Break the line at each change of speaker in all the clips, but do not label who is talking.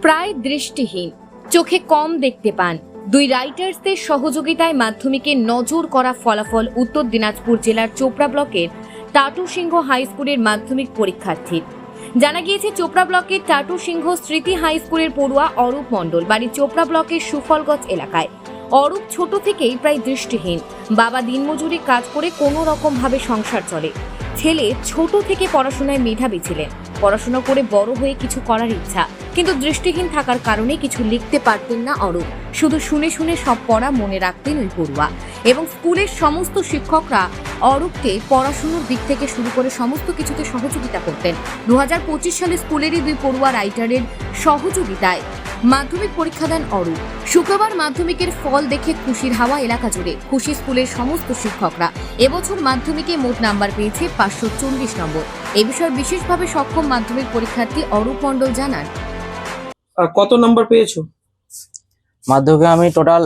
প্রায় দৃষ্টিহীন, চোখে কম দেখতে পান। দুই রাইটার্সদের সহযোগিতায় মাধ্যমিকে নজর করা ফলাফল উত্তর দিনাজপুর জেলার চোপড়া ব্লকের টাটু সিংহ হাই স্কুলের মাধ্যমিক পরীক্ষার্থীর। জানা গিয়েছে চোপড়া ব্লকের টাটু সিংহ স্মৃতি হাই স্কুলের পড়ুয়া অরূপ মণ্ডল বাড়ি চোপড়া ব্লকের সুফলগঞ্জ এলাকায়। অরূপ ছোট থেকেই প্রায় দৃষ্টিহীন। বাবা দিনমজুরি কাজ করে কোনো রকম ভাবে সংসার চলে। ছেলে ছোট থেকে পড়াশোনায় মেধাবী ছিলেন। পড়াশোনা করে বড় হয়ে কিছু করার ইচ্ছা, কিন্তু দৃষ্টিহীন থাকার কারণে কিছু লিখতে পারতেন না অরূপ। শুধু শুনে শুনে সব পড়া মনে রাখতেন ওই পড়ুয়া। এবং স্কুলের সমস্ত শিক্ষকরা অরূপকে পড়াশোনার দিক থেকে শুরু করে সমস্ত কিছুতে সহযোগিতা করতেন। 2025 সালে স্কুলেরই দুই পড়ুয়া রাইটারের সহযোগিতায় মাধ্যমিক পরীক্ষা দেন অরূপ। শুক্রবার মাধ্যমিকের ফল দেখে খুশির হাওয়া এলাকা জুড়ে। খুশি স্কুলের সমস্ত শিক্ষকরা। এবছর মাধ্যমিকে মোট নাম্বার পেয়েছে 540 নম্বর। এ বিষয়ে বিশেষভাবে সক্ষম মাধ্যমিক পরীক্ষার্থী অরূপ মণ্ডল জানান,
কত নম্বর পেয়েছো?
মাধ্যমিকে আমি টোটাল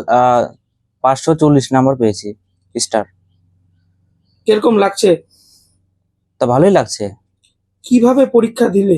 540 নম্বর পেয়েছি স্টার।
কিরকম লাগছে?
তা ভালোই লাগছে।
কিভাবে পরীক্ষা দিলে?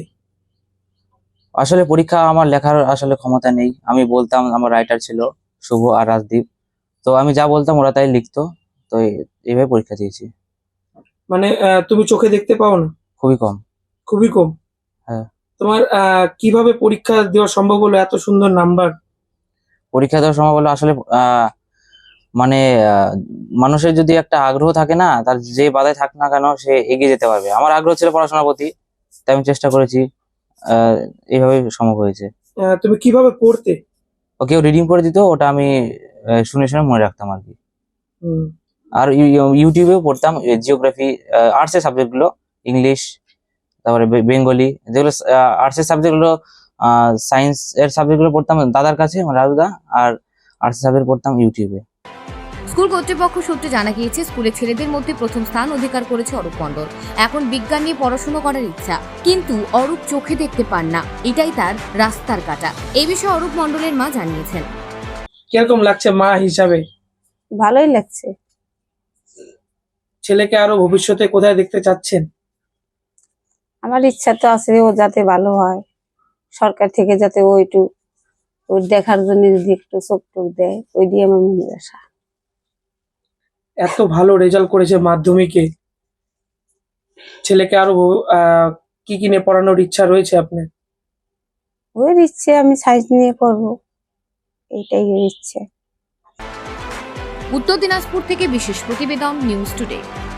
আসলে পরীক্ষা আমার লেখার আসলে ক্ষমতা নেই। আমি বলতাম, আমার রাইটার ছিল শুভ আর রাজদীপ, তো আমি যা বলতাম ওরা তাই লিখতো। তো এইভাবে পরীক্ষা দিয়েছি।
মানে তুমি চোখে দেখতে পাও না?
খুবই কম।
খুবই কম।
হ্যাঁ।
তোমার কিভাবে পরীক্ষা দেওয়া সম্ভব হলো এত সুন্দর নাম্বার?
পরীক্ষা দেওয়ার সময় বলো আসলে মানে মানুষের যদি একটা আগ্রহ থাকে না, তার যে বাধায় থাক না কেন সে এগিয়ে যেতে পারবে। আমার আগ্রহ ছিল পড়াশোনার প্রতি, তাই আমি চেষ্টা করেছি। এইভাবে সম্ভব হয়েছে।
তুমি কিভাবে পড়তে?
কেউ রিডিং করে দিত, ওটা আমি শুনে শুনে মনে রাখতাম আর কি। আর ইউটিউবেও পড়তাম জিওগ্রাফি, আর্টসের সাবজেক্ট গুলো, ইংলিশ, তারপরে বেঙ্গলি, যেগুলো আর্টসের সাবজেক্ট গুলো, সায়েন্স এর সাবজেক্ট গুলো পড়তাম দাদার কাছে, রাজুদা। আর আর্টসের সাবজেক্ট পড়তাম ইউটিউবে।
স্কুল কর্তৃপক্ষ সূত্রে জানা গিয়েছে স্কুলের ছেলেদের মধ্যে প্রথম স্থান অধিকার করেছে অরূপ মণ্ডল। এখন বিজ্ঞান নিয়ে পড়াশোনা করার ইচ্ছা, কিন্তু অরূপ চোখে দেখতে পান না, এটাই তার রাস্তার কাটা। এই বিষয়ে অরূপ মণ্ডলের মা জানিয়েছেন,
কিরকম লাগছে মা হিসাবে?
ভালোই লাগছে।
ছেলেকে আরো ভবিষ্যতে কোথায় দেখতে চাচ্ছেন?
আমার ইচ্ছা তো আছে ও যাতে ভালো হয়, সরকার থেকে যাতে ওই দেখার জন্য যদি একটু চোখ টোক দেয়, ওই দিয়ে আমার মনে আশা।
এত ভালো রেজাল্ট করেছে মাধ্যমিকে, ছেলেকে আরো কি কি নিয়ে পড়ানোর ইচ্ছা রয়েছে আপনার?
ওর ইচ্ছে আমি সায়েন্স নিয়ে পড়বো, এইটাই ওর ইচ্ছে।
উত্তর দিনাজপুর থেকে বিশেষ প্রতিবেদন, নিউজ টুডে।